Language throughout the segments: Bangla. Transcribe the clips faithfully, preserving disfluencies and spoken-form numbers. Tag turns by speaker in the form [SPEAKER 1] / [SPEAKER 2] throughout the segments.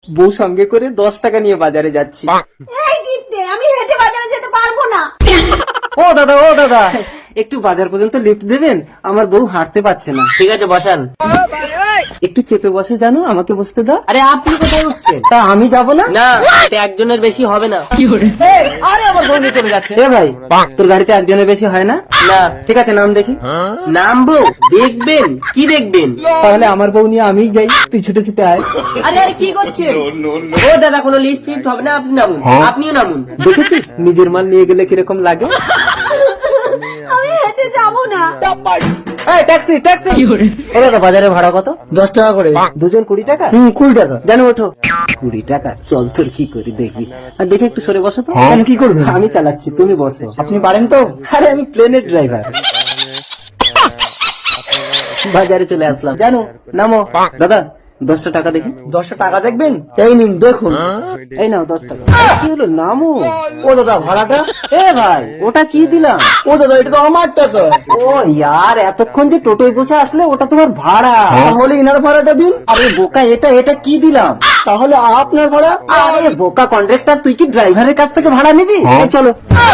[SPEAKER 1] বউ সঙ্গে করে দশ টাকা নিয়ে বাজারে যাচ্ছি।
[SPEAKER 2] এই গিফটে আমি হেঁটে বাজারে যেতে পারবো না।
[SPEAKER 1] ও দাদা ও দাদা একটু বাজার পর্যন্ত লিফট দেবেন, আমার বউ হাঁটতে পারছে না।
[SPEAKER 3] ঠিক আছে বসান।
[SPEAKER 1] একটু চেপে বসে, জানো আমাকে বসতে দাও।
[SPEAKER 3] আরে আপনি কোথায় উঠছেন?
[SPEAKER 1] তা আমি যাব না?
[SPEAKER 3] না, এটা একজনের বেশি হবে না।
[SPEAKER 1] আরে আমার বউ নিয়ে চলে যাচ্ছে। এ ভাই, তোর গাড়িতে একজনের বেশি হয় না?
[SPEAKER 3] না।
[SPEAKER 1] ঠিক আছে, নাম দেখি।
[SPEAKER 3] নামবো? দেখবেন? কি দেখবেন?
[SPEAKER 1] তাহলে আমার বউ নিয়ে আমিই যাই, তুই ছুটে ছুটে আয়।
[SPEAKER 3] আরে আরে কি করছেন? ও দাদা, কোনো লিফট ফিফট হবে না, আপনি নামুন। আপনিও নামুন।
[SPEAKER 1] দেখেছিস নিজের মাল নিয়ে গেলে কিরকম লাগে?
[SPEAKER 2] আমি হেঁটে যাবো না।
[SPEAKER 1] এই ট্যাক্সি ট্যাক্সি। ও দাদা, বাজারে ভাড়া কত? দশ টাকা করে। দুজন কুড়ি টাকা? হুম কুড়ি টাকা। জানো, ওঠো। কুড়ি টাকা? চল তোর কি করি দেখবি। আর দেখে একটু সরে বসো তো। আমি কি করবো? আমি চালাচ্ছি, তুমি বসো। আপনি পারেন তো? আরে আমি প্লেনের ড্রাইভার। বাজারে চলে আসলাম, জানো। নামো। দাদা দশটা টাকা দেখি। দশটা টাকা দেখবেন? এই নিন দেখুন। এই নাও দশ টাকা। কি হলো, নামো। ও দাদা ভাড়াটা? এ ভাই, ওটা কি দিলাম? ও দাদা, এটা তো আমার টাকা। ও ইয়ার, এতক্ষণ যে টোটোয় বসে আসলে ওটা তোমার ভাড়া। তাহলে ইনার ভাড়াটা দিন। আরে বোকা, এটা এটা কি দিলাম? তাহলে আপনার ভাড়া? আরে বোকা কন্ট্রাক্টর, তুই কি ড্রাইভারের কাছ থেকে ভাড়া নিবি? এই চলো।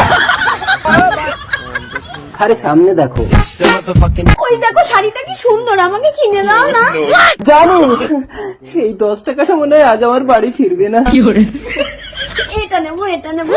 [SPEAKER 1] আরে সামনে দেখো।
[SPEAKER 2] ওই দেখো শাড়িটা কি সুন্দর, আমাকে কিনে দাও না।
[SPEAKER 1] জানো, এই দশ টাকাটা মনে হয় আজ আমার বাড়ি ফিরবে না।
[SPEAKER 2] এটা নেবো, এটা নেবো।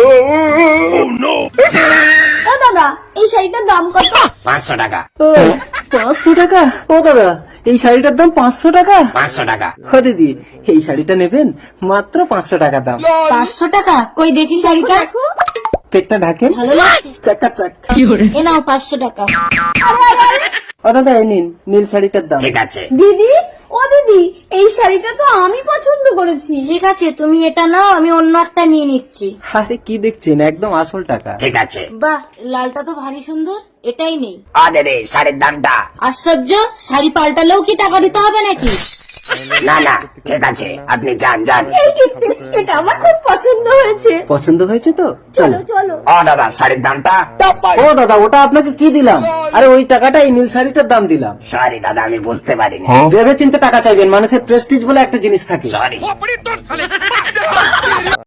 [SPEAKER 2] ও দাদা, এই শাড়িটার দাম কত?
[SPEAKER 3] পাঁচশো টাকা।
[SPEAKER 1] ও, পাঁচশো টাকা? ও দাদা, এই শাড়িটার দাম পাঁচশো টাকা?
[SPEAKER 3] পাঁচশো টাকা।
[SPEAKER 1] ও দিদি, এই শাড়িটা নেবেন? মাত্র পাঁচশো টাকা দাম।
[SPEAKER 2] পাঁচশো টাকা? কই দেখি শাড়িটা। দেখো
[SPEAKER 1] পেটটা ঢাকেন।
[SPEAKER 2] ভালো লাগছে।
[SPEAKER 1] চাকা চাক।
[SPEAKER 2] এ নাও পাঁচশো টাকা।
[SPEAKER 1] ও দাদা, এই নিন নীল শাড়িটার দাম।
[SPEAKER 3] ঠিক আছে।
[SPEAKER 2] দিদি, ও দিদি, এই শাড়িটা তো আমি পছন্দ করেছি। ঠিক আছে, তুমি এটা নাও, আমি অন্য একটা নিয়ে নিচ্ছি।
[SPEAKER 1] আরে কি দেখছেন, একদম আসল টাকা।
[SPEAKER 3] ঠিক আছে।
[SPEAKER 2] বাহ, লালটা তো ভারী সুন্দর, এটাই নেই।
[SPEAKER 3] আরে রে, শাড়ির দামটা?
[SPEAKER 2] আশ্চর্য, শাড়ি পাল্টালেও কি টাকা দিতে হবে নাকি?
[SPEAKER 3] না না, ঠিক আছে, আপনি যান যান।
[SPEAKER 2] এই গিফট, এটা আমার খুব পছন্দ হয়েছে।
[SPEAKER 1] পছন্দ হয়েছে তো?
[SPEAKER 2] চলো চলো।
[SPEAKER 3] ও দাদা, শাড়ির দামটা?
[SPEAKER 1] ও দাদা, ওটা আপনাকে কি দিলাম? আরে ওই টাকাটা এই নীল শাড়িটার দাম দিলাম।
[SPEAKER 3] সরি দাদা, আমি বুঝতে পারিনি।
[SPEAKER 1] ভেবে চিন্তে টাকা চাইবেন, মানুষের প্রেস্টিজ বলে একটা জিনিস থাকে।
[SPEAKER 3] সরি।